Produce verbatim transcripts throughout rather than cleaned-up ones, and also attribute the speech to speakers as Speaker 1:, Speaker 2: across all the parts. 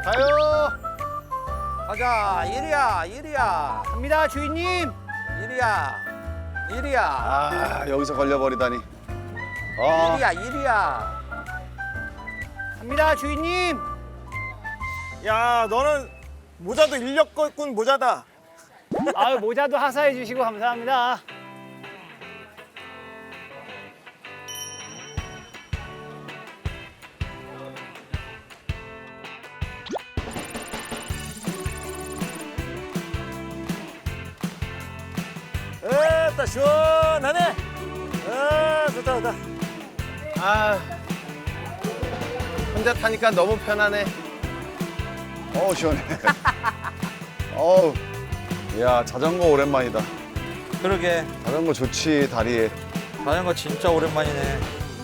Speaker 1: 가요.
Speaker 2: 가자. 이리야, 이리야,
Speaker 3: 갑니다, 주인님.
Speaker 2: 이리야, 이리야,
Speaker 1: 아, 여기서 걸려버리다니. 아,
Speaker 2: 이리야, 이리야.
Speaker 3: 갑니다, 주인님.
Speaker 4: 야, 너는 모자도 인력거꾼 모자다.
Speaker 3: 아유, 모자도 하사해 주시고 감사합니다.
Speaker 4: 에따 시원하네. 아, 좋다, 좋다.
Speaker 1: 아, 혼자 타니까 너무 편하네. 어우, 시원해. 어우, 야, 자전거 오랜만이다.
Speaker 2: 그러게.
Speaker 1: 자전거 좋지, 다리에.
Speaker 2: 자전거 진짜 오랜만이네.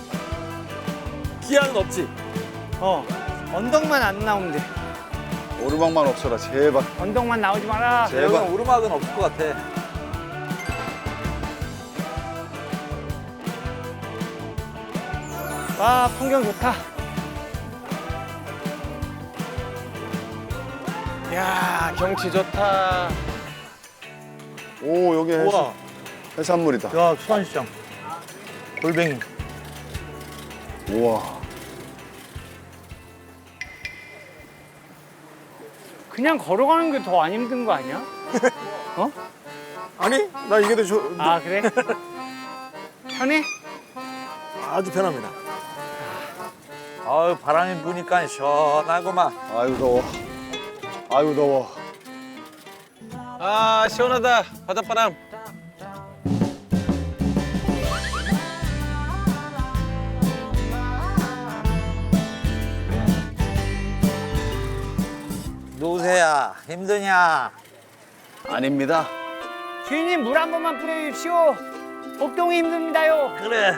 Speaker 4: 기아는 없지.
Speaker 3: 어, 언덕만 안 나오면 돼.
Speaker 1: 오르막만 없어라, 제발.
Speaker 3: 언덕만 나오지 마라.
Speaker 1: 제발.
Speaker 2: 여기는 오르막은 없을 것 같아.
Speaker 3: 와, 풍경 좋다.
Speaker 1: 야, 경치 좋다. 오, 여기 해수,
Speaker 2: 우와.
Speaker 1: 해산물이다.
Speaker 2: 야, 수산시장. 골뱅이.
Speaker 1: 우와.
Speaker 3: 그냥 걸어가는 게 더 안 힘든 거 아니야? 어?
Speaker 4: 아니, 나 이게 더 좋,
Speaker 3: 아, 그래? 편해?
Speaker 4: 아주 편합니다.
Speaker 2: 아유, 바람이 부니까 시원하구만.
Speaker 1: 아유, 더워. 아유, 더워.
Speaker 5: 아 시원하다 바닷바람.
Speaker 2: 노새야, 힘드냐?
Speaker 1: 아닙니다.
Speaker 3: 주인님, 물 한 번만 뿌려주십시오. 복동이 힘듭니다요.
Speaker 2: 그래.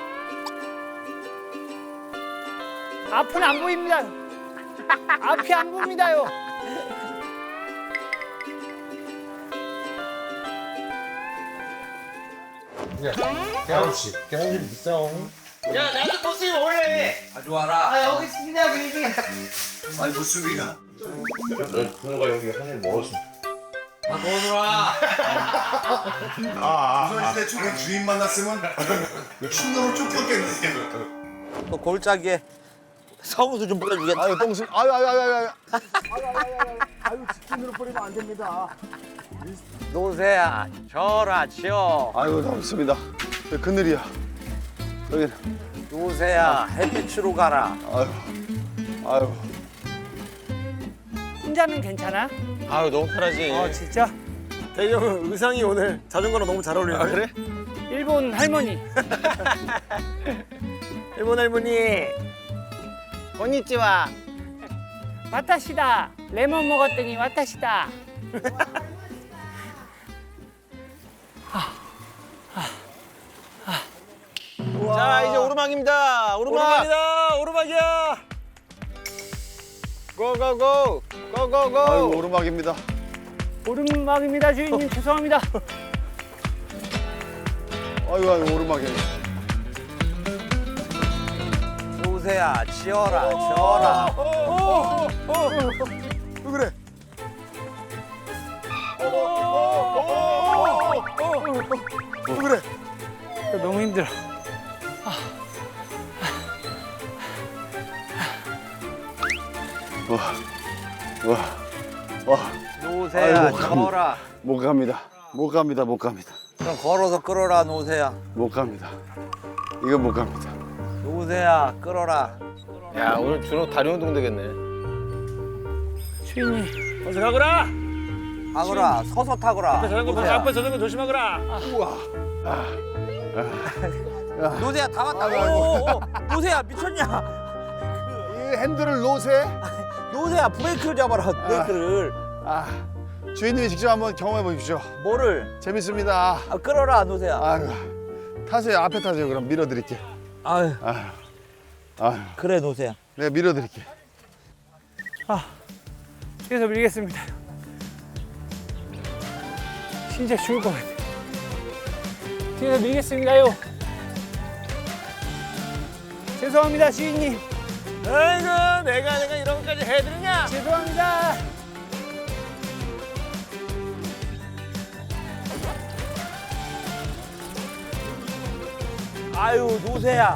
Speaker 3: 앞은 안 보입니다. 앞이 안 보입니다요. 야, 나도 버스에 올래.
Speaker 2: 가져와라.
Speaker 3: 아, 여기 있습니다, 주인님.
Speaker 1: 아니, 무수비가.
Speaker 6: 조선시대 저런 주인 만났으면 충동을 쫓겼겠네.
Speaker 2: 또 골짜기에 성수 좀 뿌려주겠다.
Speaker 1: 아유, 똥수. 아유, 아유, 아유, 아유.
Speaker 2: 노새야, 져라, 지어.
Speaker 1: 아유, 덥습니다. 여기 그늘이야. 여기.
Speaker 2: 노새야, 햇빛으로 가라.
Speaker 1: 아유, 아유.
Speaker 3: 혼자는 괜찮아?
Speaker 5: 아유 너무 편하지.
Speaker 3: 어, 진짜?
Speaker 4: 대형 의상이 오늘 자전거랑 너무 잘 어울리네.
Speaker 1: 아, 그래?
Speaker 3: 일본 할머니.
Speaker 4: 일본 할머니.
Speaker 3: 건니찌와. 와타시다. 레몬 먹었더니 와타시다.
Speaker 5: 자 이제 오르막입니다. 오르막.
Speaker 4: 오르막이다, 오르막이야.
Speaker 5: 고고고. 고고고.
Speaker 1: 아유, 오르막입니다.
Speaker 3: 오르막입니다, 주인님. 죄송합니다.
Speaker 1: 아유, 아유, 오르막이야.
Speaker 2: 노새야, 지어라, 지어라.
Speaker 1: 왜 그래? 왜 그래?
Speaker 3: 너무 힘들어.
Speaker 1: 와, 와, 와.
Speaker 2: 노새야,
Speaker 1: 아이고,
Speaker 2: 지어라.
Speaker 1: 못 갑니다. 못 갑니다. 못 갑니다.
Speaker 2: 그럼 걸어서 끌어라, 노새야.
Speaker 1: 못 갑니다. 이거 못 갑니다.
Speaker 2: 노새야, 끌어라.
Speaker 5: 야 오늘 준호 다리 운동 되겠네.
Speaker 3: 주인님.
Speaker 4: 어서 가거라.
Speaker 2: 하거라, 서서 타거라.
Speaker 4: 앞에 자전거,
Speaker 2: 노새야.
Speaker 4: 앞에 자전거 조심하거라.
Speaker 2: 노새야, 다 왔다.
Speaker 1: 아이고,
Speaker 2: 오, 오, 오. 노새야, 미쳤냐?
Speaker 1: 이 핸들을 놓으세.
Speaker 2: 노새야, 브레이크를 잡아라, 브레이크를.
Speaker 1: 아, 주인님이 직접 한번 경험해 보십시오.
Speaker 2: 뭐를?
Speaker 1: 재밌습니다.
Speaker 2: 아, 끌어라, 노새야.
Speaker 1: 아유, 타세요. 앞에 타세요. 그럼 밀어드릴게.
Speaker 2: 아유,
Speaker 1: 아유, 아유,
Speaker 2: 그래, 노새야.
Speaker 1: 내가 밀어드릴게.
Speaker 3: 뒤에서 밀겠습니다. 진짜 죽을 것 같아. 뒤에서 밀겠습니다요. 죄송합니다, 주인님.
Speaker 4: 아이고 내가 내가 이런 것까지 해드리냐?
Speaker 3: 죄송합니다.
Speaker 2: 아유, 노새야.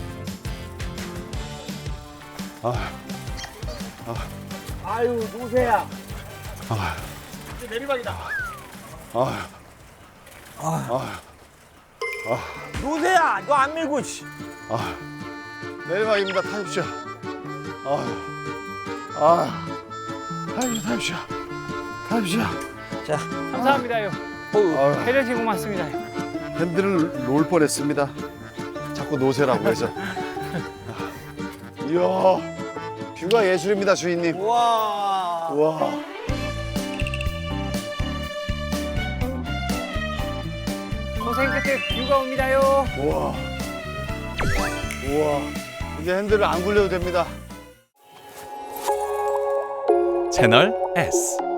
Speaker 2: 아유, 노새야.
Speaker 4: 이제 내리막이다.
Speaker 2: 노새야, 너 안 밀고, 씨.
Speaker 1: 내리막입니다. 타십시오. 아, 아, 타십시오, 타십시오, 타십시오.
Speaker 2: 자,
Speaker 3: 감사합니다요.
Speaker 2: 어우,
Speaker 1: 아,
Speaker 3: 배려진 고맙습니다.
Speaker 1: 핸들을 놓을 뻔했습니다. 자꾸 놓으세라고 해서. 이야, 뷰가 예술입니다, 주인님.
Speaker 2: 우와.
Speaker 1: 우와.
Speaker 3: 고생 끝에 뷰가 옵니다요.
Speaker 1: 우와. 우와. 이제 핸들을 안 굴려도 됩니다.
Speaker 7: 채널 S